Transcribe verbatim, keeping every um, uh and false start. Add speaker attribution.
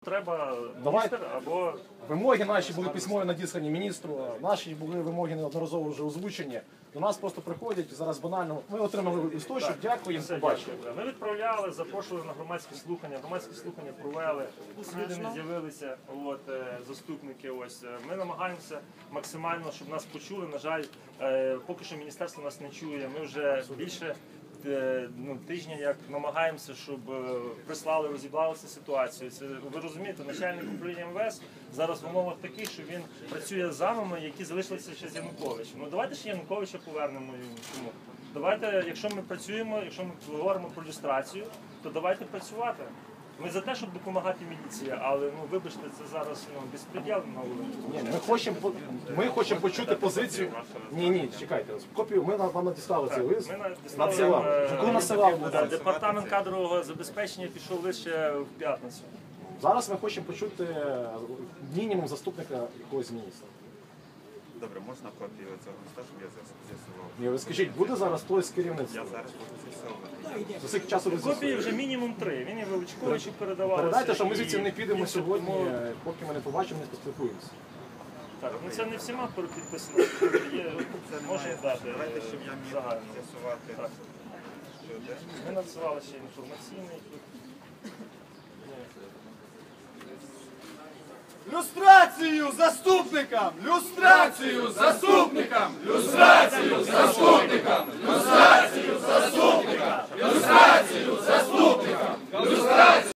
Speaker 1: Треба
Speaker 2: Давай.
Speaker 1: міністр або...
Speaker 2: Вимоги наші були письмові надіслані міністру, наші були вимоги неодноразово вже озвучені. До нас просто приходять, зараз банально, ми отримали листочок, дякую,
Speaker 1: Все,
Speaker 2: побачимо.
Speaker 1: дякую. Ми відправляли, запрошували на громадські слухання, громадські слухання провели, слідами з'явилися от, заступники. Ось. Ми намагаємося максимально, щоб нас почули. На жаль, поки що міністерство нас не чує. Ми вже більше ну, тижня як намагаємося, щоб прислали, розібралися ситуацію. Це, ви розумієте, начальник управління ем ве ес зараз в умовах таких, що він працює з замами, які залишилися ще з Януковичем. Ну давайте ще Януковича повернемо. Чому? Давайте, якщо ми працюємо, якщо ми говоримо про люстрацію, то давайте працювати. Ми за те, щоб допомагати міліції, але ну вибачте, це зараз ну, безпреділ на вулиці.
Speaker 2: Ні, ми хочемо ми хочемо почути позицію. Ні, ні, чекайте, копію. Ми вам надіслали цей лист.
Speaker 1: Ми
Speaker 2: надсилали.
Speaker 1: надіслали,
Speaker 2: Коли надсилали?
Speaker 1: е, Департамент кадрового забезпечення пішов лише в п'ятницю.
Speaker 2: Зараз ми хочемо почути мінімум заступника якогось міністра.
Speaker 3: Добре, можна копію цього листа, щоб я з'ясував?
Speaker 2: Ні, ви скажіть, буде зараз хтось з керівництва?
Speaker 3: Я зараз буду з'ясовувати.
Speaker 2: За скільки часу ви
Speaker 1: Копії
Speaker 2: з'ясуєте?
Speaker 1: вже мінімум три. Він і Величковичу передавалося.
Speaker 2: Передайте, що ми
Speaker 1: і
Speaker 2: звідси не підемо
Speaker 1: іншим,
Speaker 2: сьогодні,
Speaker 1: тому-
Speaker 2: поки ми не побачимо, не поспілкуємося.
Speaker 1: Так, ну це не всіма підписано. Є, можна дати
Speaker 3: Давайте, щоб я міг
Speaker 1: загально.
Speaker 3: з'ясувати,
Speaker 1: Так.
Speaker 3: що де.
Speaker 1: Ми надсилали ще інформаційний.
Speaker 4: Люстрацію заступникам! Люстрацію заступникам! Люстрацію заступникам! Люстрацію заступникам! Люстрацію заступникам! Люстрацію!